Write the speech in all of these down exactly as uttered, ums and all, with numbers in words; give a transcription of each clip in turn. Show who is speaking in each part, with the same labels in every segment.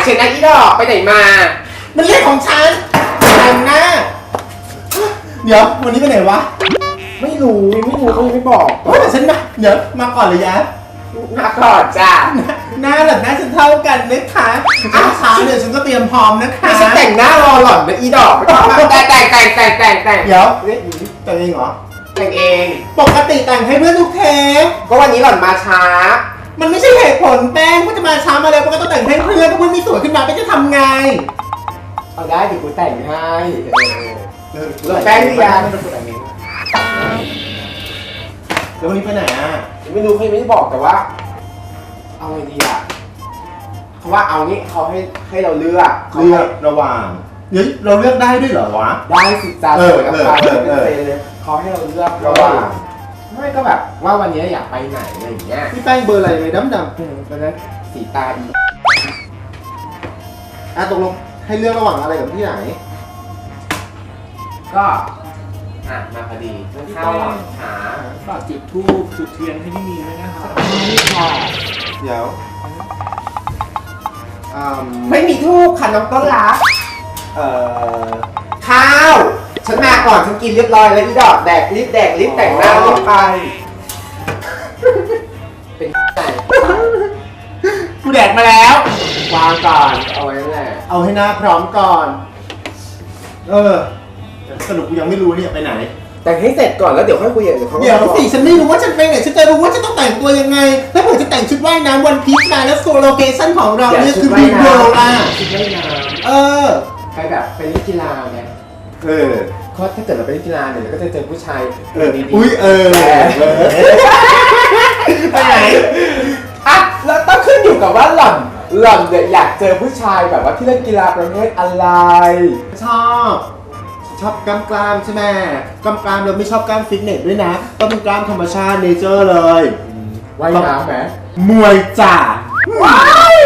Speaker 1: เฉยนะอีดอกไปไหนมา
Speaker 2: มันเรื่องของฉันแต่งหน้าเดี๋ยววันนี้ไปไหนวะ
Speaker 1: ไม่รู้ไม่รู้เขาไม่บอก
Speaker 2: เฮ้ยแต่ฉันมาเดี๋ยวมาก่อนเลยยะ
Speaker 1: มาก่อนจ้า
Speaker 2: หน้าหล่อนหน้าฉันเท่ากันนะคะอ้าวช้าเดี๋ยวฉันก็เตรียมพร้อมนะคะ
Speaker 1: ฉันแต่งหน้ารอหล่อนนะอีดอกแต่แต่งแต่งแต่งแต่งแต่ง
Speaker 2: เดี๋ยวแต่งเองเหรอ
Speaker 1: แต่งเอง
Speaker 2: ปกติแต่งให้เพื่อนทุกเทป
Speaker 1: ก็วันนี้หล่อนมาช้า
Speaker 2: มันไม่ใช่เหตุผลแป้งว่าจะมาช้ามาแล้วก็ต้องแต่งให้เพื่อนถ้าเพื่อนมีสวยขึ้นมาแป้งจะทำไง
Speaker 1: เอาได้เดี๋ยวกูแต่งให้เราแป้งหรือยัง
Speaker 2: แล้ววันนี้ไปไหนอ่ะ
Speaker 1: ไม่รู้เขาไม่ได้บอกแต่ว่าเอาไงดีอ่ะเขาว่าเอางี้เขาให้ให้เราเลือก
Speaker 2: เลือกระหว่างเดี๋ยวเราเลือกได้ด้วยเหรอวะ
Speaker 1: ได้สิจ้าสวยกับใครเป็นเซนเลยเขาให้เราเลือกระหว่างไม่ก็แบบว่าวันนี้อยากไปไหนอะไรอย่างเงี้ย
Speaker 2: พี่แป้งเบอร์อะไรเลยดำดำ
Speaker 1: ตอนนั้นสีตาอี
Speaker 2: อ่ะตกลงให้เลือกระหว่างอะไรกับที่ไหน
Speaker 1: ก็อ่ะมาพอดีเรื่องข้าวหลังหา
Speaker 3: ฝากจุดธูปจุดเทียนให้พี่มีด้วยนะครับ
Speaker 1: นี่ค่ะ
Speaker 2: เดี๋ยว
Speaker 1: ไม่มีทูบค่ะน้องต้นรัก
Speaker 2: เอ่อ
Speaker 1: ข้าวฉันมาก่อนฉันกินเรียบร้อยแล้วอีดอกแดกรีบแดกรีบแต่งหน้ารีบไปเป็นไง
Speaker 2: กูแดกมาแล้ว
Speaker 1: วางก่อนเอาไว้นั่นแหละ
Speaker 2: เอาให้หน้าพร้อมก่อนเออสรุปกูยังไม่รู้เนี่ยไปไหน
Speaker 1: แต่งให้เสร็จก่อนแล้วเดี๋ยวค่อยคุยกันเดี๋ยวเขา
Speaker 2: เดี๋ยวสิฉันไม่รู้ว่าฉันไปไหนฉันจะรู้ว่าฉันต้องแต่งตัวยังไงถ้าผมจะแต่งชุดว่ายน้ำวันพีชมาแล้วโซโลเคชั่นของเราเนี่ยคือบีโบล่ะ
Speaker 1: ชุดว่ายน้ำ
Speaker 2: เออ
Speaker 1: ไปแบบไปเล่นกีฬาไง
Speaker 2: เออ
Speaker 1: เพราะถ้าเกิดเราไปเล่นกีฬาเนี่ยเราก็จะเจอผู้ชาย
Speaker 2: ดีๆอุ้ยเออไปไหน
Speaker 1: อ่ะแล้วต้องขึ้นอยู่กับว่าหล่อนหล่อนเนี่ยอยากเจอผู้ชายแบบว่าที่เล่นกีฬาประเภทอะไร
Speaker 2: ชอบชอบกล้ามกล้ามใช่ไหมกล้ามกล้ามเราไม่ชอบกล้ามฟิตเนสด้วยนะต้องเป็นกล้ามธรรมชาติเนเจอร์เลย
Speaker 1: ว่ายน้ำไหม
Speaker 2: มวยจ่าว้าย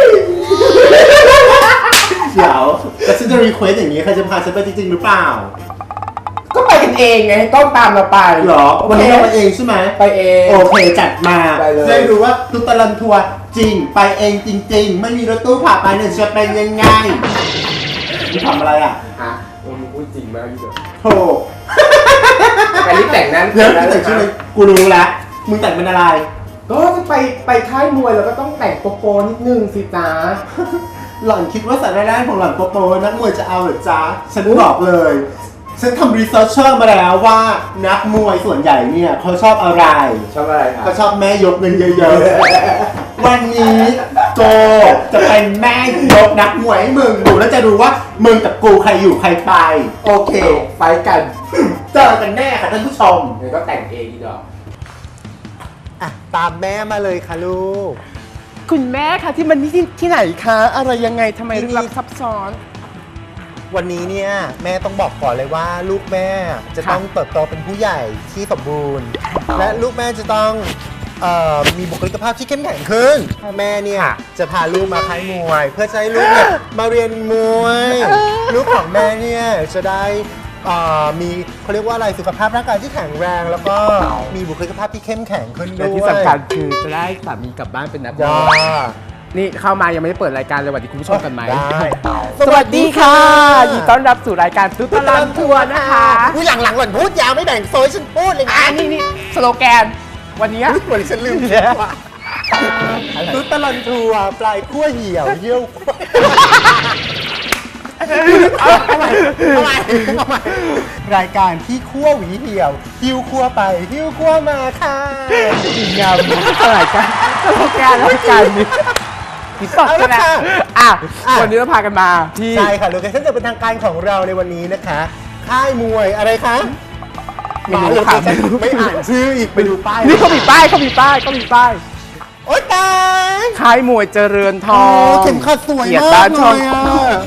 Speaker 2: เดี๋ยวแต่ฉันจะรีเควสอย่างนี้ใครจะพาฉันไปจริงๆหรือเปล่า
Speaker 1: ก็ไปกันเองไงต้องตามเราไป
Speaker 2: หรอวันนี้เราไปเองใช่ไหม
Speaker 1: ไปเอง
Speaker 2: โอเคจัดมาได้รู้ว่าตุตลันทัวร์จริงไปเองจริงๆไม่มีรถตู้พาไปเนี่ยจะเป็นยังไงนี่ทำอะไรอ่ะ
Speaker 1: ฮะมึงพูดจริงมากพี่เด้อ
Speaker 2: โธ่
Speaker 1: ไปรีบแต่งนั้น
Speaker 2: เดี๋ยวแต่งชุดเลยกูรู้แล้วมึงแต่งเป็นอะไร
Speaker 1: ก็จะไปไปค่ายมวยแล้วก็ต้องแต่งโปโปนิดนึงสิจ้า
Speaker 2: หล่อนคิดว่าสารได้ของหล่อนโปโปนักมวยจะเอาหรือจ้าฉันบอกเลยฉันทำรีเสิร์ชเชอร์มาแล้วว่านักมวยส่วนใหญ่เนี่ยเขาชอบอะไร
Speaker 1: ชอบอะไรครับ
Speaker 2: เขาชอบแม่ยกเงินเยอะๆวันนี้โกจะเป็นแม่ยกนักมวยให้มึงดูแล้วจะรู้ว่ามึงกับกูใครอยู่ใครไปโอเคไปกันเจอกันแน่ค่ะท่านผู้ชม
Speaker 1: เดี๋ยวก็แต่งเองดีดอก
Speaker 2: อ่ะตามแม่มาเลยค่ะลูก
Speaker 3: คุณแม่คะที่มันนี่ที่ที่ไหนคะอะไรยังไงทำไมลึกลับซับซ้อน
Speaker 2: วันนี้เนี่ยแม่ต้องบอกก่อนเลยว่าลูกแม่จะต้องเติบโตเป็นผู้ใหญ่ที่สมบูรณ์และลูกแม่จะต้องเอ่อมีบุคลิกภาพที่เข้มแข็งขึ้นแม่เนี่ยจะพาลูกมาค่ายมวยเพื่อจะให้ลูกเนี่ยมาเรียนมวยลูกของแม่เนี่ยจะได้มีเขาเรียกว่าอะไรสุขภาพร่างกายที่แข็งแรงแล้วก็มีบุคลิกภาพที่เข้มแข็งขึ้นด้วย
Speaker 3: และที่สำคัญคือจะได้สามีกลับบ้านเป็นนักมวยนี่เข้ามายังไม่ได้เปิดรายการเลยสวัสดีคุณผู้ชมกันไหม
Speaker 2: ได้
Speaker 3: สวัสดีค่ะยินดีต้อนรับสู่รายการตุ๊ดตะลันทัวร์นะคะ
Speaker 2: ผู้หลังๆหล่อนพูดยาวไม่แบ่งโซยฉันพูดเลยนะ
Speaker 3: นี่นี่สโลแกนวันนี้
Speaker 2: วันนี้ฉันลืมแล้วตุ๊ดตะลันทัวร์ปลายขั้วเหี่ยวเยี่ยวทำไมทำไมทำไมรายการที่ขั้วหวีเหี่ยวหิ้วขั้วไปหิ้วขั้วมาค่ะ
Speaker 3: ดีงามรายการสโลแกนรายการนี้ติดต่อกันนะอ่ะวันนี้เราพากันมา
Speaker 2: ที่ใช่ค่ะโลเคชั่นจะเป็นทางการของเราในวันนี้นะคะค่ายมวยอะไรคะ
Speaker 3: ไม่รู้ค่ะ
Speaker 2: ไม่อ่านชื่ออีกไปดูป้าย
Speaker 3: นี่เขามีป้ายเขามีป้ายเขามีป้าย
Speaker 2: โอ๊ยตาย
Speaker 3: ค่ายมวยเจริญทอง
Speaker 2: เข็มขัดสวยมากเลยอ่ะ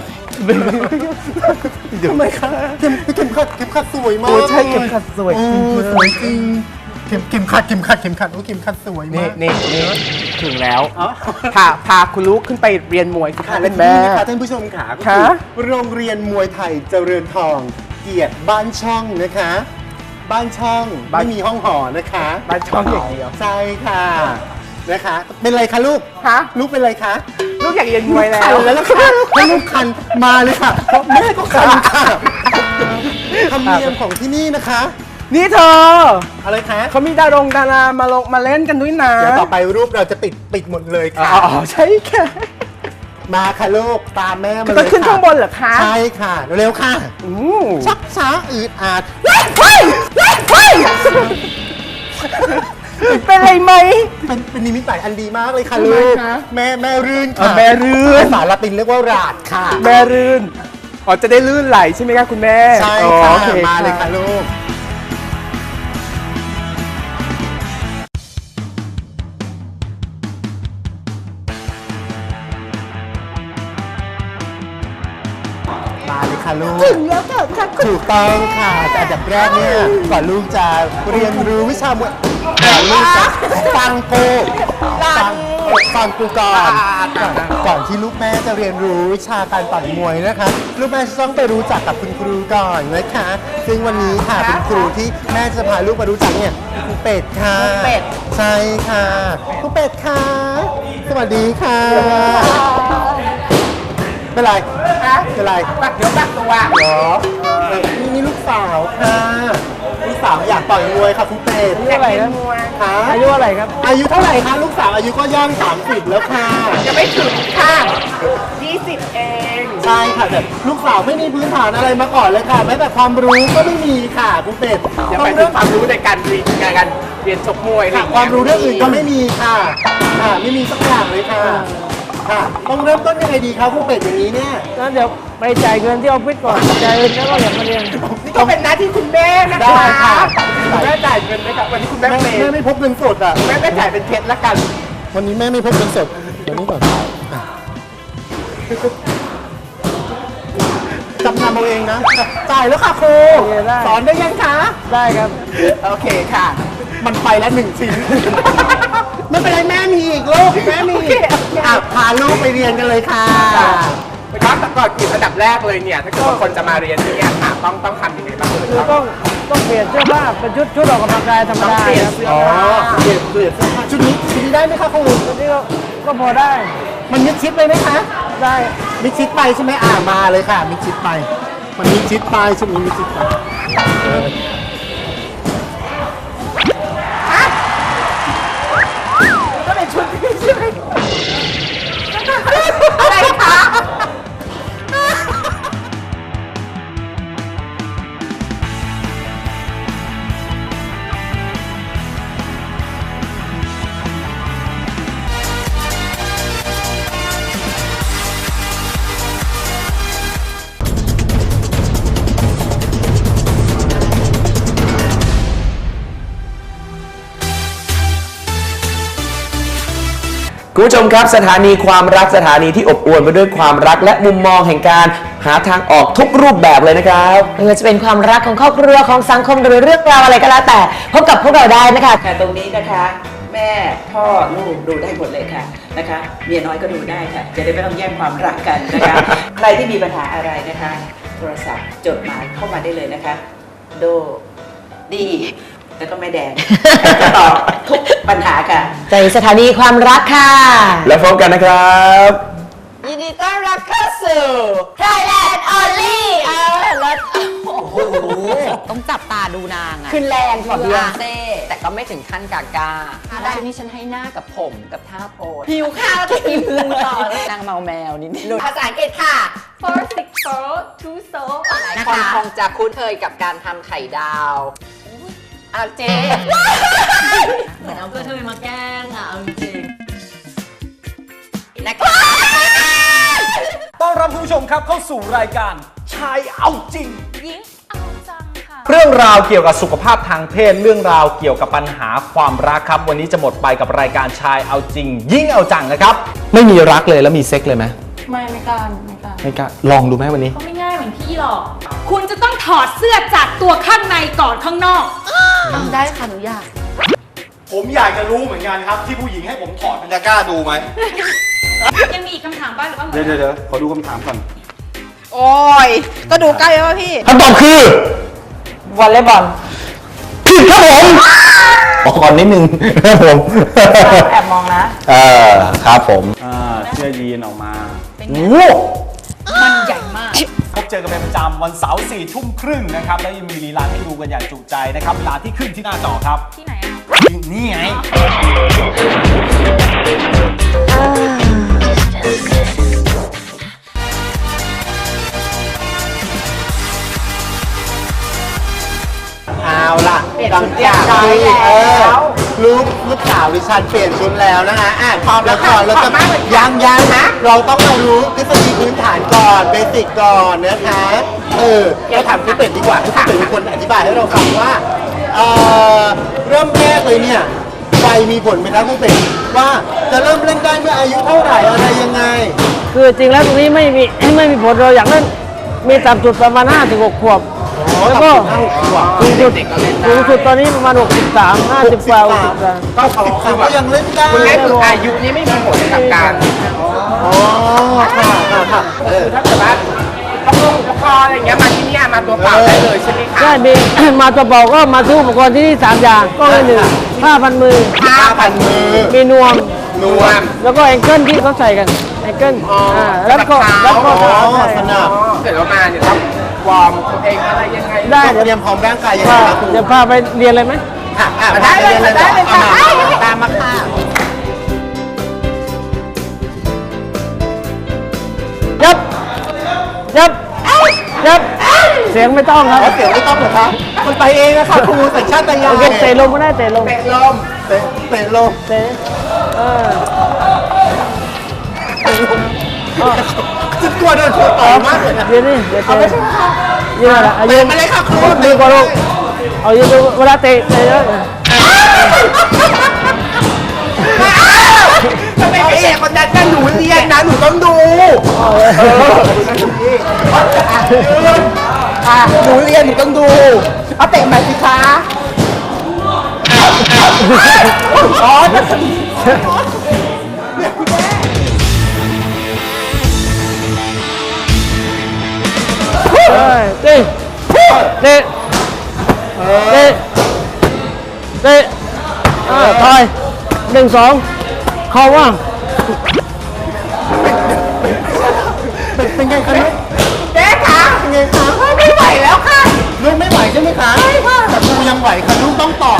Speaker 2: ทำไมคะเข็มเข็มขัดเข็มขัดสวยมาก
Speaker 3: โอ้ใช่เข็มขัดสวยจริง
Speaker 2: สวยจริงเข็มเข็มขัดเข็มขัดเข็มขัดโอ้เข็มขัดสวยมาก
Speaker 3: นี่นี่ถึงแล้วพาพาคุณลูกขึ้นไปเรียนมวยค่ะเล่นแม่
Speaker 2: ท่านผู้ชมขาค่ะโรงเรียนมวยไทยเจริญทองเกียรติบ้านช่องนะคะบ้านช่องไม่มีห้องหอนะคะ
Speaker 3: บ้านช่องอย่างเดียว
Speaker 2: ใช่ค่ะนะคะเป็นไรคะลูก
Speaker 3: คะ
Speaker 2: ลูกเป็นไรคะ
Speaker 3: ลูกอยากเรียนมวยแล้
Speaker 2: คั
Speaker 3: วน
Speaker 2: แล้วนะคะให้ลูกคันมาเลยค่ะเพราะแม่ก็คันค่ะธรรมเนียมของที่นี่นะคะ
Speaker 3: นี่เธอ
Speaker 2: อะไรคะ
Speaker 3: เขามีดารงดารามาลงมาเล่นกันด้วยนะ
Speaker 2: เดี๋ยวต่อไปรูปเราจะติดปิดหมดเลย
Speaker 3: อ๋
Speaker 2: ค่ะ
Speaker 3: อใช่ค่ะ
Speaker 2: มาค่ะลูกตามแม่มาเลย
Speaker 3: ต้องขึ้น
Speaker 2: ค่ะ
Speaker 3: ข้างบนเหรอคะ
Speaker 2: ใช่ค่ะเร็วๆค่ะ
Speaker 3: อืม
Speaker 2: ชักช้าอืดอาด
Speaker 3: เฮ้ยเฮ้ยเฮ้ยเป็นไรไหม
Speaker 2: เป็นเป็นนิมิตหมายอันดีมากเลยค่ะ
Speaker 3: ทำไม
Speaker 2: ลูก
Speaker 3: คะ
Speaker 2: แม่แม่รื่น
Speaker 3: อ๋อ
Speaker 2: ค่ะ
Speaker 3: แม่รื่น
Speaker 2: ภาษาละตินเรียกว่าราดค่ะ
Speaker 3: แม่รื่นอ๋อจะได้ลื่นไหลใช่ไหมคะคุณแม่
Speaker 2: ใช่
Speaker 3: อ๋อ
Speaker 2: ค่ะ
Speaker 3: โอเค
Speaker 2: มาเลยค่ะลูกมาเลยค่ะลูก
Speaker 3: ถึงแล้วค่ะค่ะคุณ
Speaker 2: ถูกต้องค่ะแต่อันดับแรกเนี่ยก่อนลูกจะเรียนรู้วิชามวยก่อนลูกจะฟังกูฟังฟังกูก่อนก่อนก่อนที่ลูกแม่จะเรียนรู้วิชาการต่อยมวยนะคะ ลูกแม่จะต้องไปรู้จักกับคุณครูก่อนนะคะ ซึ่งวันนี้ค่ะเป็นครูที่แม่จะพาลูกมารู้จักเนี่ยครูเป็ดค่ะเป็ดใช่ค่ะครูเป็ดค่ะสวัสดีค่ะเป็นไร
Speaker 3: ฮะ
Speaker 2: เป็นไร
Speaker 3: ปักเดี๋ยวปักตัว
Speaker 2: เหรอเออนี่นี่ลูกสาวค่ะลูกสาวอยากต่อยมวยค่ะคุณเป็ด
Speaker 3: อายุอะไรนะ
Speaker 2: ค่ะ
Speaker 3: อายุอะไรครับ
Speaker 2: อายุเท่าไหร่คะลูกสาวอายุก็ย่างสามสิบแล้วค่ะ
Speaker 3: ยังไม่ถึงค่ะยี่สิบเอง
Speaker 2: ใช่ค่ะแต่ลูกสาวไม่มีพื้นฐานอะไรมาก่อนเลยค่ะแม้แต่ความรู้ก็ไม่มีค่ะคุณเป็ด
Speaker 3: อย่า
Speaker 2: ต้
Speaker 3: ไป
Speaker 2: อง
Speaker 3: ถึ
Speaker 2: เริ่
Speaker 3: ง
Speaker 2: ม
Speaker 3: ความรู้ในการเรียนในการเรียนชกมวยอะไรอ
Speaker 2: ค่ะ
Speaker 3: ย่าง
Speaker 2: ค
Speaker 3: เงี้
Speaker 2: วาย มรู้เรื่องอื่นก็ไม่มีค่ะค่ะไม่มีสักอย่างเลยค่ะค่ะต้องเริ่มต้นยังไงดีครับคุณเป็ดอย่างนี้เนี่ย
Speaker 4: แล้วเดี๋ยวไปจ่ายเงินที่ออฟฟิศก่อนจ่ายเงินแล้วก็อย่ามาเรียน
Speaker 3: นี่ก็เป็นหน้าที่คุณแม่นะ
Speaker 2: ได้
Speaker 3: คะ
Speaker 2: ค่ะ
Speaker 3: คุณแม่จ่ายเงินไหมครับวันนี้คุณแม่
Speaker 2: แม่
Speaker 3: เปย์
Speaker 2: แม่ไม่พกเงินสดอ่ะ
Speaker 3: แม่ก็จ่ายเป็นเพชรละกัน
Speaker 2: วันนี้แม่ไม่พกเงินสดเดี๋ยวนี้ก่อนอ่ะจำนำเอาเองนะจ่ายแล้วค่ะครู
Speaker 4: โอเคได้
Speaker 2: สอนได้ยังคะ
Speaker 4: ได้ครับ
Speaker 3: โอเคค่ะ
Speaker 2: มันไปแล้วหนึ่งชิ้น ไม่เป็นไรแม่มีอีกลูกแม่มีอีกอ่ะพาลูกไปเรียนกันเลยค่ะ
Speaker 3: นะครับแต่ก่อนกินอันดับแรกเลยเนี่ย ถ้าเกิดว่าคนจะมาเรียนที่เนี่ยค่ะต้องต้องทำยังไงบ้างเลย
Speaker 4: คือ
Speaker 3: ครับ
Speaker 4: ต้องต้องเปลี่ยนเสื้อผ้าเป็นชุดชุดออกกำลังกายธรรม
Speaker 3: ต้อง
Speaker 4: ดา
Speaker 3: เปลี่ยน
Speaker 4: ครับ
Speaker 3: เสื้อ
Speaker 2: อ๋อ
Speaker 3: ผ้า
Speaker 2: เปลี่ยนเปลี่ยนเสื้อผ้าชุดนี้ชุดนี้ได้ไหมคะครู
Speaker 4: ชุดนี้ก็ก็พอได้
Speaker 2: มันมิดชิดเลยไหมคะ
Speaker 4: ได้
Speaker 2: มิดชิดไปใช่ไหมอ่ามาเลยค่ะมิดชิดไป มันมิดชิดไปชุดนี้มิดชิดไปเออ
Speaker 3: ก็เป็นชุดที่ใช่ไหมอะไรคะ
Speaker 5: คุณผู้ชมครับสถานีความรักสถานีที่อบอวลไปด้วยความรักและมุมมองแห่งการหาทางออกทุกรูปแบบเลยนะครับ
Speaker 6: ไม่ว่าจะเป็นความรักของครอบครัวของสังคมหรือเรื่องราวอะไรก็แล้วแต่พบกับพวกเราได้นะคะ
Speaker 7: ค่ะตรงนี้นะคะแม่พ่อลูกดูได้หมดเลยค่ะนะคะเมียน้อยก็ดูได้ค่ะ จะได้ไม่ต้องแย่งความรักกันนะคะ ใครที่มีปัญหาอะไรนะคะ โทรศัพท์จดหมายเข้ามาได้เลยนะคะ โดดีแล้วก็แม่แดงจะตอบทุกปัญหาค่ะ
Speaker 6: ในสถานีความรักค่ะ
Speaker 5: แล้วพบกันนะครับ
Speaker 6: ยินดีต้อนรับเข้าสู่ Thailand Only เออแล้วโอ้โห
Speaker 8: ต้องจับตาดูนางอะ
Speaker 6: ขึ้นแรงกว่าเบียร์
Speaker 8: เซ่แต่ก็ไม่ถึงขั้นกากาได้นี่ฉันให้หน้ากับผมกับท่าโพส
Speaker 6: หิวข้าวจะกินต่อ
Speaker 8: นางเมาแมวนิดนึง
Speaker 6: ภาษาอังกฤษค่ะ
Speaker 8: four six four two so
Speaker 6: นะ
Speaker 8: คน
Speaker 6: คะ
Speaker 8: คงจะคุ้นเคยกับการทำไข่ดาวอาเจเหมือนเอาเพื่อเธอมาแกล้งอะเอาจริง
Speaker 6: นะคะ
Speaker 9: ต้อนรับคุณผู้ชมครับเข้าสู่รายการชายเอาจริง
Speaker 8: ยิ้งเอาจังค่ะ
Speaker 9: เรื่องราวเกี่ยวกับสุขภาพทางเพศเรื่องราวเกี่ยวกับปัญหาความรักครับ วันนี้จะหมดไปกับรายการชายเอาจริง ยิ่งเอาจังนะครับ
Speaker 5: ไม่มีรักเลยแล้วมีเซ็กเลยไหม
Speaker 8: ไม่ไม่กล้าไม่กล้า
Speaker 5: ไม่กล้าลองดูไหมวันนี้
Speaker 10: ก็ไม่ง่ายเหมือนพี่หรอก คุณจะต้องถอดเสื้อจากตัวข้างในก่อนข้างนอก
Speaker 8: ทำได้ค่ะหนูอยาก
Speaker 11: ผมอยากจะรู้เหมือนกันครับ ที่ผู้หญิงให้ผมถอดมันจะกล้าดูไหม
Speaker 10: ยังมีอีกคำถามบ้างหรือว่าหมด
Speaker 11: เดี๋ยวเดี๋ยวเดี๋ยวขอดูคำถามก่อน
Speaker 8: โอ้ยก็ดูใกล้แล้วพี่
Speaker 5: คำตอบคือ
Speaker 6: วอลเลย์บอล
Speaker 5: ผิดครับผมขอก่อนนิดนึงครับผม
Speaker 6: แอบมองนะ
Speaker 5: เออครับผม
Speaker 11: อ่าเชี
Speaker 9: สื้อยีนออกมา
Speaker 10: เป็นไง
Speaker 9: โอ้
Speaker 10: มันใหญ่มาก
Speaker 9: พบเจอกันเป็นประจำวันเสาร์สี่ทุ่มครึ่งนะครับ แล้วยังมีลีลาให้ดูกันอย่างจุใจนะครับ เวลาที่ขึ้นที่หน้าจอครับ
Speaker 10: ที่ไหนอะ
Speaker 9: นี่ไง
Speaker 2: เอาล่ะหลังจากที่เออลูกลูกสาวดิฉันเปลี่ยนชุดแล้วนะคะอ่ะพร้อมแล้วก่อนเราจะยังยังนะเราต้องมารู้ทฤษฎีพื้นฐานก่อนเบสิกก่อนนะคะเออเราถามคุณเป็ดดีกว่าคุณเป็ดเป็นคนอธิบายให้เราฟังว่าเออเริ่มแรกเลยเนี่ยวัยมีผลไหมครับคุณเป็ดว่าจะเริ่มเล่นได้เมื่ออายุเท่าไหร่อะไรยังไง
Speaker 4: คือจริงแล้วตรงนี้ไม่มีไม่มีผลเราอยากเล่นมีต่ำสุดประมาณห้าถึงหกขวบแล้วก็สูงสุดสูงสุดตอนนี้ประมาณหกสิบสามห้าสิบกว่าหกสิบสาม
Speaker 1: ก็เขาคือ
Speaker 2: ก็ยังเล่นได้
Speaker 1: คุณแม่คืออายุนี่ไม่มีผลกับการ
Speaker 2: อ๋อค่ะค่ะค่ะเออ
Speaker 1: ถ้าเกิดว่าต้องลงอุปกรณ์อะไรอย่างเงี้ยมาที่นี่มาตัวเปล่าได้เลยใช่ไหมคะ
Speaker 4: ใช่มี มาตัวเบาก็มาซื้ออุปกรณ์ที่นี่สามอย่างก็เลยหนึ่งผ้าพันมือ
Speaker 2: ผ้าพันมือ
Speaker 4: มีนวม
Speaker 2: นวม
Speaker 4: แล้วก็แองเกิลที่เขาใส่กันแองเกิล
Speaker 1: อ๋ออ่
Speaker 4: าแล้วก็แล้วก็
Speaker 2: อ๋อ
Speaker 4: ใช่
Speaker 2: สนับ
Speaker 1: เกิดว่ามาเนี่ยต้องวอร์มตัวเองอะไรยังไง
Speaker 4: ได้
Speaker 2: ต้อง
Speaker 4: เดี๋ยว
Speaker 2: เตรียมพร้อมร่างกายยังไง
Speaker 4: พา
Speaker 2: ครับครู
Speaker 4: เดี๋ยวพาไปเรียนเลยไหม
Speaker 2: ค่ะอ่ะ
Speaker 1: ได้เลย
Speaker 2: ไปรีน
Speaker 1: ได้เลยค่ะ
Speaker 2: อามาตามมาค่ะ
Speaker 4: ยับยับยับเสียงไม่ต้องครับ
Speaker 2: เสียงไม่ต้องเหรอคะมันไปเองนะคะครูสัญชาตญาณ
Speaker 4: โอเคเตะลงก็ได้เตะลง
Speaker 1: เตะลม
Speaker 2: เตะเตะลง
Speaker 4: เตะเออ
Speaker 2: จะกลัวโดนครูต่อยมากเลยนะ
Speaker 4: เดี๋ยวนี่เดี๋ยวเตะยืนอะไรอ่ะยืน
Speaker 2: มาเลยค่ะครู
Speaker 4: ดีกว่าลูกเอายืนดูเวลาเตะเตะเยอะ
Speaker 1: ทำไมไม่เอกคนนั้นกันหนูเรียนนะหนูต้องดูอ่ะหนูเรียนหนูต้องดูเอาเตะใหม่สิคะอ๋อ
Speaker 4: เฮ้ยเตะเตะเตะเตะอ่าถอยหนึ่งสองเข้าว่าง
Speaker 2: เป็นไงคะเนี่ย
Speaker 1: เจ๊คะ
Speaker 2: เป็นไงคะ
Speaker 1: ไม่ไหวแล้วค่ะ
Speaker 2: ลูกไม่ไหวใช่ไหมคะใช่ค่ะแต่ครูยังไหวค่ะลูกต้องต่อ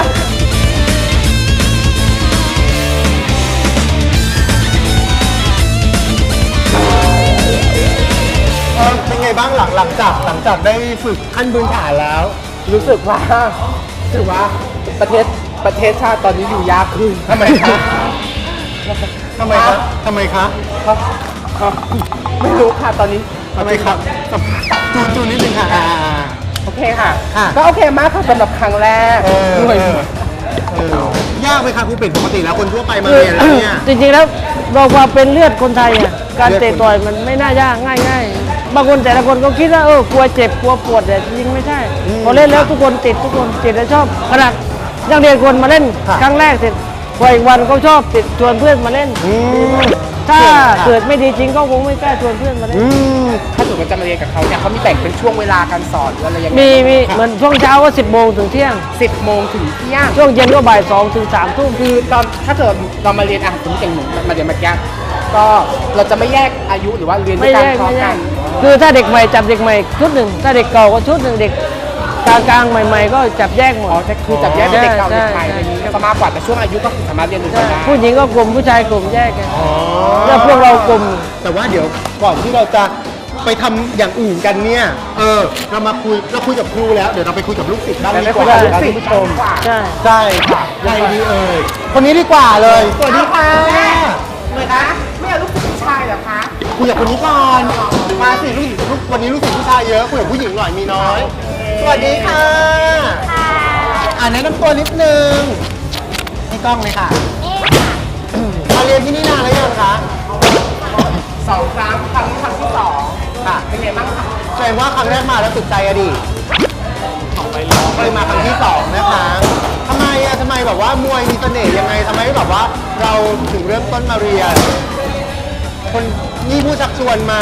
Speaker 2: เออเป็นไงบ้างหลังหลังจากหลังจากได้ฝึกขั้นพื้นฐานแล้ว
Speaker 1: รู้สึกว่ารู้สึกว่าประเทศประเทศชาติตอนนี้อยู่ยากขึ้น
Speaker 2: ทำไมคะทำไมคะทำไมคะ
Speaker 1: ไม่รู้ค่ะตอนนี้
Speaker 2: ทำไมครับจูนจูนนิดนึงค่ะอ่า
Speaker 1: โอเคค่ะ
Speaker 2: ค่ะ
Speaker 1: ก็โอเคมากค่ะสำหรับครั้งแรก
Speaker 2: เออ
Speaker 1: เหนื่อย
Speaker 2: เออเออยากไหมคะครูเป็ดปกติแล้วคนทั่วไปมาเรียนแล้วเนี่ย
Speaker 4: จริงๆแล้วเราความเป็นเลือดคนไทยอ่ะการเตะต่อยมันไม่น่ายากง่ายๆบางคนแต่ละคนก็คิดว่าเออกลัวเจ็บกลัวปวดแต่จริงๆไม่ใช่พอเล่นแล้วทุกคนติดทุกคนติดและชอบขนาดยังเรียนคนมาเล่นครั้งแรกเสร็จพออีกวันเขาชอบติดชวนเพื่อนมาเล่น ถ้าเกิดไม่ดีจริงก็คงไม่กล้าชวนเพื่อนมาเล่น
Speaker 1: ถ้าสมมติจะมาเรียนกับเขาเนี่ยเขามีแบ่งเป็นช่วงเวลาการสอนหรืออะไรยังไง
Speaker 4: มีมีเหมือนช่วงเช้าก็สิบโมงถึงเที่ยง
Speaker 1: สิบโมงถึงเที่ยง
Speaker 4: ช่วงเย็นก็บ่ายสองถึงสามทุ่ม
Speaker 1: คือตอนถ้าเกิดเรามาเรียนอ่ะสมมติอย่างหนูมาเรียนเมื่อกี้ก็เราจะไม่แยกอายุหรือว่าเรียนด้
Speaker 4: ไม่
Speaker 1: วยกัน
Speaker 4: แยก
Speaker 1: พร้อม
Speaker 4: ไม่แย
Speaker 1: กั
Speaker 4: ก
Speaker 1: น
Speaker 4: คือถ้าเด็กใหม่จับเด็กใหม่ชุดหนึ่งถ้าเด็กเก่าก็ชุดหนึ่งเด็กกลางกลางๆใหม่ ๆ ก็จับแยกหมด
Speaker 1: อ๋อจะคือจับแยกเป็นเด็กเก่าเด็กใหม่
Speaker 4: ใช่
Speaker 1: อะไรอย่างนี้ก็มากกว่าแต่ช่วงอายุก็คือสามารถเรียนด้วย
Speaker 4: ใช่
Speaker 1: กันได้
Speaker 4: ผู้หญิงก็กลุ่มผู้ชายกลุ่มแยกกัน
Speaker 2: อ๋อ
Speaker 4: แล้วพวกเรากลุ่ม
Speaker 2: แต่ว่าเดี๋ยวก่อนที่เราจะไปทำอย่างอื่นกันเนี่ย เออ เรามาคุยเราคุยกับครูแล้ว เดี๋ยวเราไปคุยกับลูกศิษย์บ้างดีกว่า
Speaker 1: ได้
Speaker 2: ท่านผู้ชม
Speaker 4: ใช่
Speaker 2: ใช่ค่ะใครดีเอ่ยคนนี้ดีกว่าเลย สวัสดีค่ะ
Speaker 1: เลยนะไม่เอาลูกผู้ชายเหรอคะ
Speaker 2: คุยกับคนนี้ก่อน มาสิลูกศิษย์ลูกวันนี้ลูกศิษย์ผู้ชายเยอะคุยกับผู้หญิงหน่อยมีน้อย สวัสดีค่ะอ่าแนะนำตัวนิดนึงให้กล้องเลยค่ะมาเรียนที่นี่นานแล้วยังคะ
Speaker 1: สองครั้งครั้งนี้ครั้งที่สองค่ะเป็นไงบ้างคะ
Speaker 2: แสดงว่าครั้งแรกมาแล้วติดใจอะดิไปมาครั้งที่สองนะคะทำไมอะทำไมแบบว่ามวยมีเสน่ห์ยังไงทำไมแบบว่าเราถึงเริ่มต้นมาเรียน คนนี่ผู้ชักชวนมา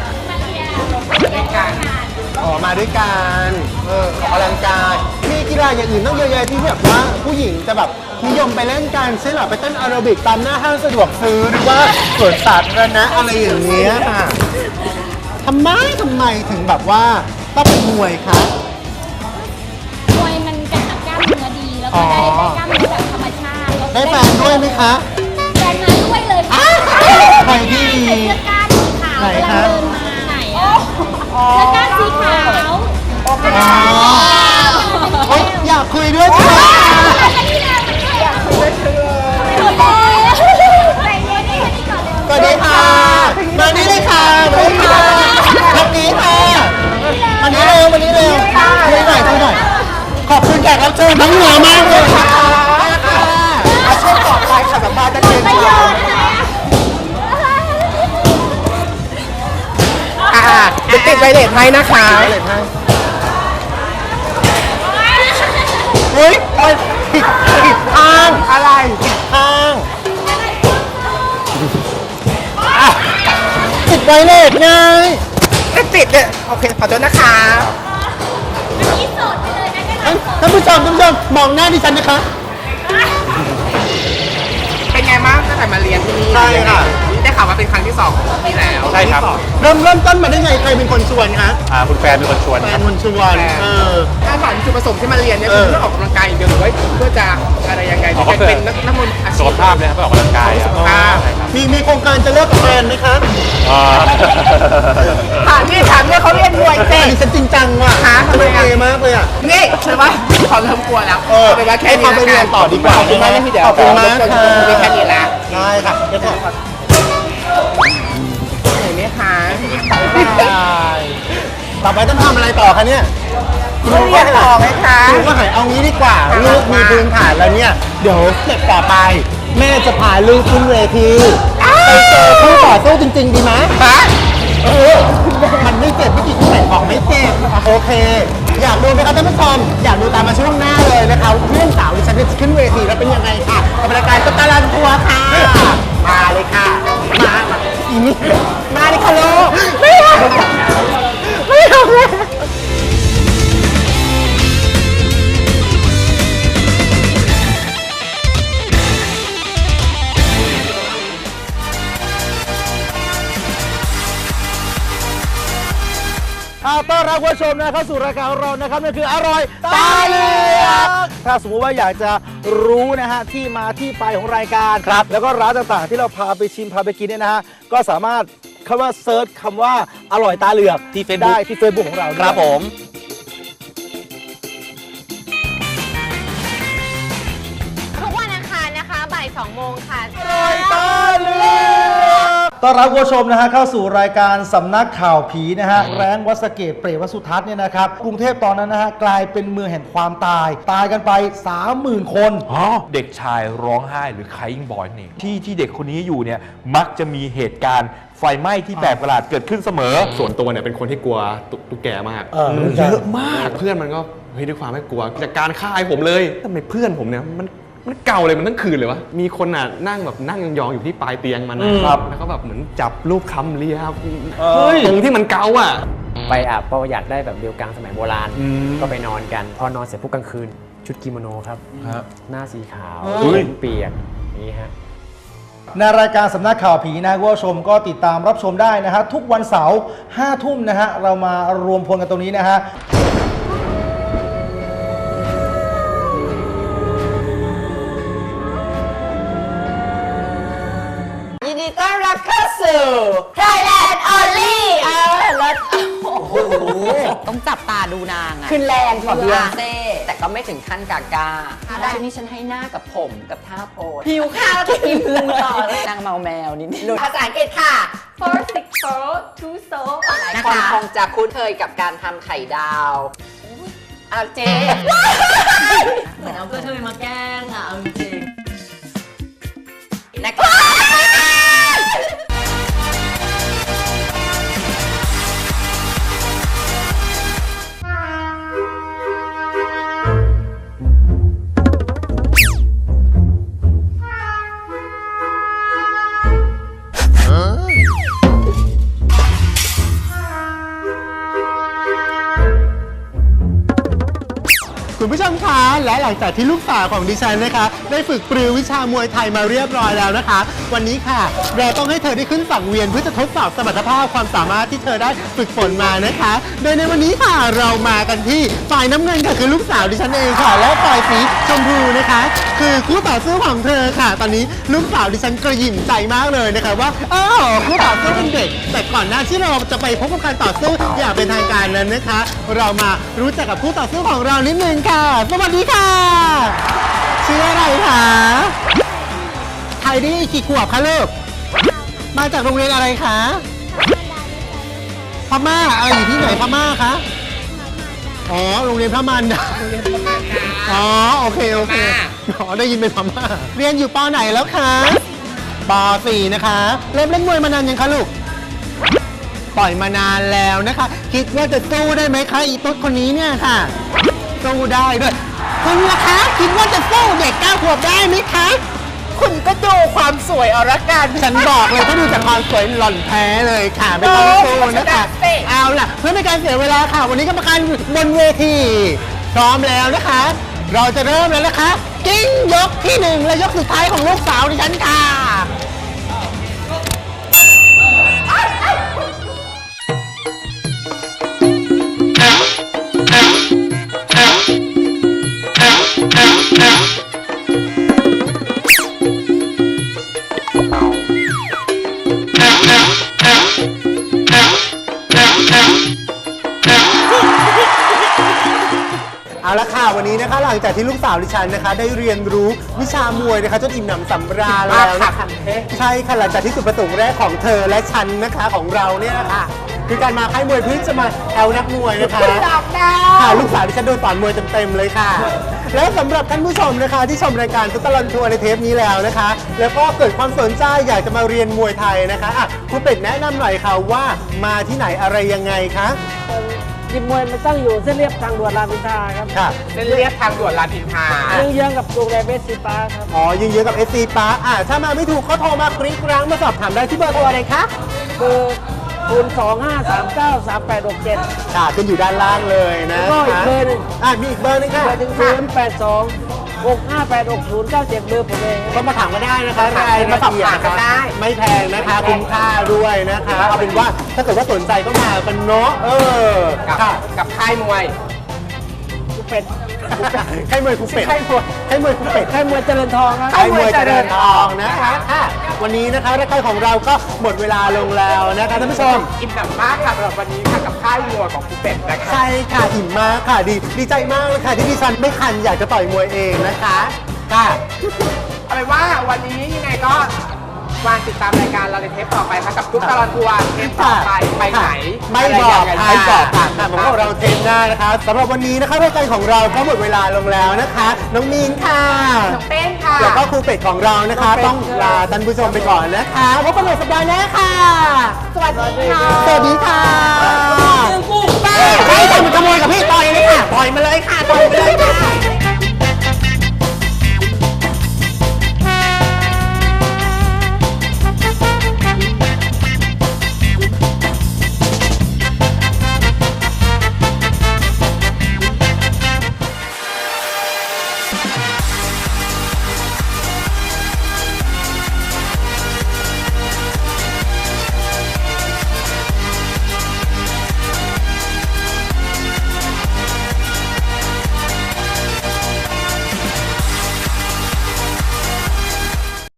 Speaker 1: ด้วยกัน
Speaker 2: อ๋อมาด้วยกันเออออกกำลังกายมีกีฬาอย่างอื่นต้องเยอะแยะที่แบบว่าผู้หญิงจะแบบนิยมไปเล่นกันเช่นแบบไปเต้นแอโรบิกตามหน้าห้างสะดวกซื้อหรือว่าสวนสาธารณะอะไรอย่างเงี้ยค่ะทำไมทำไมถึงแบบว่าต้องเป็นมวยคะ
Speaker 10: มวยมันกระชับกล้ามเนื้อดีแล้วก็ได้ได้กล้ามเนื้อแบบธรรมชาติ
Speaker 2: ได้แฟนด้วยไหมคะ
Speaker 10: แฟนมาด้วยเลยค่ะ
Speaker 2: ใครที่มี
Speaker 10: ใส่เสื้อกล้ามสีขาว
Speaker 2: ไหน
Speaker 10: กำลัง
Speaker 2: คะ
Speaker 10: เดินมาไหนอะเสื้อกล้ามสีขาว
Speaker 2: อ๋อเฮ้ยอยากคุยด้วยจ้ะสวัสดีค่ะ มานี่เลยค่ะมานี่ค่ะทางนี้ค่ะมานี่เร็วมานี่เร็วคุยหน่อยคุยหน่อย ขอบคุณแขกรับเชิญทั้งเหนือมากเลยค่ะอาชีพต่อไปค่ะสัมภาษณ์จะเก่งกว่า
Speaker 3: อ่าเดี๋ยวติดไวเลสให้นะคะ
Speaker 2: ไวเลสให้เฮ้ยมันผิดผิดทางอะไรผิดทางติดไวเลสไง
Speaker 3: ไม่ติดเลยโอเคขอโทษนะคะ
Speaker 2: ท่านผู้ชมท่านผู้ชมมองหน้าดิฉันนะคะ
Speaker 3: เป็นไงบ้างตั้งแต่มาเรียนที่นี่
Speaker 2: ใช่ค่ะ
Speaker 3: ได้ข่าวว่าเป็นครั้งที่สองของพี่แล้ว
Speaker 11: ใช่ครับ
Speaker 2: เริ่มเริ่มต้นมาได้ไงใครเป็นคนชวนคะ
Speaker 11: อ่าคุณแฟนเป็นคนชวน
Speaker 2: แฟ
Speaker 11: คน รับ
Speaker 2: คนชวนเออ
Speaker 3: ถ้าถามจุดประสงค์ที่มาเรียนเนี่ยคือเพื่อออกกำลังกายอย่างเดียวหรือว่าเพื่อจะอะไรยังไง
Speaker 11: อ๋อก็คือ
Speaker 3: เป็นนักนักมวยอาชี
Speaker 11: สุข
Speaker 3: พ
Speaker 11: ภาพเลยครับไปออกกำลังกายครับ
Speaker 3: สุขภาพ
Speaker 11: ใช่ครับ
Speaker 2: มีมีโครงการจะเลิกกับแฟนไหมคะ
Speaker 11: อ่า
Speaker 3: ถามนี่ถามเนี่ยเขาเรียนมวยเจ๊
Speaker 2: อันนี้ฉันจริงจังว่ะ
Speaker 3: หาทำไม
Speaker 2: โอ
Speaker 3: อ่ะ
Speaker 2: เคมากเลยอ่ะ
Speaker 3: นี่ใช่ปะขอเริ่มกลัวแล้ว
Speaker 2: เออ
Speaker 3: เป็นว่าแค่
Speaker 2: ให้
Speaker 3: นี้
Speaker 2: ความไปเรียนต่อดีกว่า
Speaker 3: ขอบคุณมากนะพี่เดี๋ยว
Speaker 2: ขอบคุณมาก
Speaker 3: รบกวน
Speaker 2: ค่ะ
Speaker 3: มีแค่นี้ละ
Speaker 2: ได้ค่ะเดี๋ยวก่อน
Speaker 3: เห็นไหมคะ
Speaker 2: ต่อไปต้องทำอะไรต่อคะเนี่ย
Speaker 3: เรียนต่อไหมคะ
Speaker 2: ครูก็หายเอางี้ดีกว่า ลูกมีพื้นฐานแล้วเนี่ย เดี๋ยวสเต็ปต่อไป แม่จะพาลูกขึ้นเวทีไปเจอผู้ต่อสู้จริง ๆ ดีไหมฮะเออ มันไม่เจ็บไม่กี่ที่ไหนของไม่เจ็บโอเค อยากดูไหมครับท่านผู้ชมอยากดูตามมาช่วงหน้าเลยนะคะเพื่อนสาวดิฉันจะขึ้นเวทีแล้วเป็นยังไงค่ะกับรายการสตาร์ลันทัวร์ค่ะ มาเลยค่ะ มามาอีนี่มาเลยค่ะลูกไม่เอาไม่เอาเลย เอาต้อนรับคุณผู้ชมนะเข้าสู่รายการของเรานะครับนั่นคืออร่อยตาเหลือกถ้าสมมุติว่าอยากจะรู้นะฮะที่มาที่ไปของรายการครับแล้วก็ร้านต่างๆ ที่เราพาไปชิมพาไปกินเนี่ยนะฮะก็สามารถคำว่าเซิร์ชคำว่าอร่อยตาเหลือกที่เฟซได้ที่เฟซบุ๊กของเราครับผม
Speaker 8: ทุกวันอังคารนะคะบ่ายสองโมงค่ะ
Speaker 2: ตาเหลือกต้อนรับคุณผู้ชมนะฮะเข้าสู่รายการสำนักข่าวผีนะฮะแรงวัดสะเกตเปรตวดสุทัศน์เนี่ยนะครับกรุงเทพตอนนั้นนะฮะกลายเป็นเมืองแห่งความตาย ตายกันไป สามหมื่น คน
Speaker 12: เด็กชายร้องไห้หรือ crying boy นี่ที่ที่เด็กคนนี้อยู่เนี่ยมักจะมีเหตุการณ์ไฟไหม้ที่แปลกประหลาดเกิดขึ้นเสมอ
Speaker 11: ส่วนตัวเนี่ยเป็นคนที่กลัวตุ๊ตุ๊กแกมาก
Speaker 2: เออ
Speaker 11: มันเยอะมากเพื่อนมันก็เฮ้ยด้วยความไม่กลัวจากการฆ่าไอ้ผมเลยทำไมเพื่อนผมเนี่ยมันมันเก่าเลยมันทั้งคืนเลยวะมีคนอ่ะนั่งแบบนั่งยองๆอยู่ที่ปลายเตียงมันนะครับแล้วก็แบบเหมือนจับรูปคำเลียครับตรงที่มันเกาอ่ะ
Speaker 13: ไปอาบประหยัดได้แบบเรียวกังสมัยโบราณ ก็ไปนอนกัน พอนอนเสร็จปุ๊บกลางคืน ชุดกิโมโนครับ หน้าสีขาว
Speaker 2: เฮ้ย
Speaker 13: ผมเปียกอย่างนี้ฮะ
Speaker 2: ในรายการสำนักข่าวผีนะคุณผู้ชมก็ติดตามรับชมได้นะฮะทุกวันเสาร์ห้าทุ่มนะฮะเรามารวมพลกันตรงนี้นะฮะ
Speaker 6: ยินดีต้อนรับเข้าสู่ Thailand Only เออแล้ว
Speaker 8: โอ้โห ต้องจับตาดูนางอะ
Speaker 6: ขึ้นแรงกว่าเพื่อน
Speaker 8: เซ่แต่ก็ไม่ถึงขั้นกากาได้นี่ฉันให้หน้ากับผมกับท่าโพส
Speaker 6: หิวข้าวกินเลย
Speaker 8: นางเมาแมวนิดนึง
Speaker 6: ภาษาอังกฤษค่ะ
Speaker 10: four six four two so
Speaker 8: หลายคนคงจะคุ้นเคยกับการทำไข่ดาวอาเจเหมือนเอากระเทยมาแกล้งอะเอาจริงนะคะ
Speaker 2: คุณผู้ชมคะและหลังจากที่ลูกสาวของดิฉันนะคะได้ฝึกปรือวิชามวยไทยมาเรียบร้อยแล้วนะคะ วันนี้ค่ะเราต้องให้เธอได้ขึ้นสังเวียนเพื่อจะทดสอบสมรรถภาพความสามารถที่เธอได้ฝึกฝนมานะคะโดยในวันนี้ค่ะเรามากันที่ฝ่ายน้ำเงินค่ะคือลูกสาวดิฉันเองค่ะและฝ่ายสีชมพูนะคะคือคู่ต่อสู้ของเธอค่ะ ตอนนี้ลูกสาวดิฉันกระหยิ่มใจมากเลยนะคะว่าอ้าวคู่ต่อสู้เป็นเด็กแต่ก่อนหน้าที่เราจะไปพบกับการต่อสู้อย่างเป็นทางการนั้นนะคะ เรามารู้จักกับคู่ต่อสู้ของเรานิดนึงค่ะสวัสดีค่ะชื่ออะไรคะไทยดี้กี่ขวบคะลูกมาจากโรงเรียนอะไรคะพม่าอะไรอยู่ที่ไหนพม่าคะอ๋อโรงเรียนพม่านะอ๋อโอเคโอเคอ๋อได้ยินเป็นพม่าเรียนอยู่ป.ไหนแล้วคะป.สี่นะคะเริ่มเล่นมวยมานานยังคะลูกปล่อยมานานแล้วนะคะคิดว่าจะสู้ได้ไหมคะอีตุ๊ดคนนี้เนี่ยค่ะสู้ได้ด้วยคุณล่ะคะคิดว่าจะสู้เด็กเก้าขวบได้ไหมคะคุณก็ดูความสวยเอาละกันฉันบอกเลยถ้าดูจากความสวยหล่อนแพ้เลยค่ะไม่ต้องสู้นะคะเอาล่ะเพื่อไม่การเสียเวลาค่ะวันนี้กรรมการบนเวทีพร้อมแล้วนะคะเราจะเริ่มแล้วนะคะกิ้งยกที่หนึ่งและยกสุดท้ายของลูกสาวดิฉันค่ะเอาละค่ะวันนี้นะคะหลังจากที่ลูกสาวดิฉันนะคะได้เรียนรู้วิชามวยนะคะจนอิ่มหนำสำราญแล้วนะคะใช่ค่ะหลังจากที่จุดประสงค์แรกของเธอและฉันนะคะของเราเนี่ยนะคะคือการมาค่ายมวยเพื่อจะมาแอลนักมวยนะคะค่ะลูกสาวดิฉันโดนสอนมวยเต็มๆเลยค่ะแล้วสำหรับท่านผู้ชมนะคะที่ชมรายการตุ๊กตาลอนทัวร์ในเทปนี้แล้วนะคะแล้วก็เกิดความสนใจอยากจะมาเรียนมวยไทยนะคะอ่ะครูเป็ดแนะนำหน่อยค่ะว่ามาที่ไหนอะไรยังไงคะ
Speaker 4: ยิมมวยมันตั้งอยู่เส้นเรียบทางด่วนรามอินทราครับ
Speaker 3: เส้นเรียบทางด่วนรามอินทรา
Speaker 4: เยื้องๆกับโรงแรมเอสซีปาร์ครับ
Speaker 2: อ๋อยิงเยอะกับ เอส ซี Park อ่าถ้ามาไม่ถูกก็โทรมากริ๊งกรังมาสอบถามได้ที่เบอร์โทรอะไรคะ
Speaker 4: เบอร์ศูนย์ สอง ห้า สาม เก้า สาม แปด หก เจ็ด
Speaker 2: ค่ะขึ้นอยู่ด้านล่างเลยนะ
Speaker 4: ก็อีกเบอร์หนึ่ง
Speaker 2: อ่ามีอีกเบอร์นึงค่ะ
Speaker 4: ศูนย์ แปด สอง หก ห้า แปด หก ศูนย์ เก้า เจ็ดเบอร์ผมเอง
Speaker 2: ก็มาถามมาได้นะคะรายละเอียดนะคะไม่แพงนะคะคุ้มค่าด้วยนะคะเอาเป็นว่าถ้าเกิดว่าสนใจก็มากันเนาะเออ
Speaker 3: กับกับค่ายมวย
Speaker 4: กูเป็ด
Speaker 2: ค่ายมวยกูเป็ดค่ายมวยค่ายมวยกูเป็ด
Speaker 4: ค่ายมวยเจริญทองครับ
Speaker 2: ค่ายมวยเจริญทองนะคะวันนี้นะคะรายการของเราก็หมดเวลาลงแล้วนะคะท่านผู้ชม
Speaker 3: อิ่มหนำมากค่ะสำหรับวันนี้ค่ะกับค่ายมวยของกูเป็ดนะคะ
Speaker 2: ใช่ค่ะอิ่มมากค่ะดีดีใจมากเลยค่ะที่ดิฉันไม่คันอยากจะต่อยมวยเองนะคะค่ะ
Speaker 3: เอาเป็นว่าวันนี้ยังไงก็วางติดตามรายการเราในเทปต่อไปค่ะกับทุกตลอดทัวร์เทปต่อไปไปไหน
Speaker 2: ไม่บอกค่ะไม่บอกค่ะค่ะของเราเทปหน้านะคะสำหรับวันนี้นะคะรายการของเราก็หมดเวลาลงแล้วนะคะน้องมีนค่ะ
Speaker 8: น้องเต้นค่ะ
Speaker 2: แล้วก็ครูเป็ดของเรานะคะต้องลาท่านผู้ชมไปก่อนนะคะพบกันใหม่สัปดาห์หน้าค่ะ
Speaker 8: สวัสดีค่ะ
Speaker 2: สวัสดีค่ะใครทำขโมยกับพี่ต่อยเลยค่ะต่อยมาเลยค่ะต่อยมาเลยค่ะ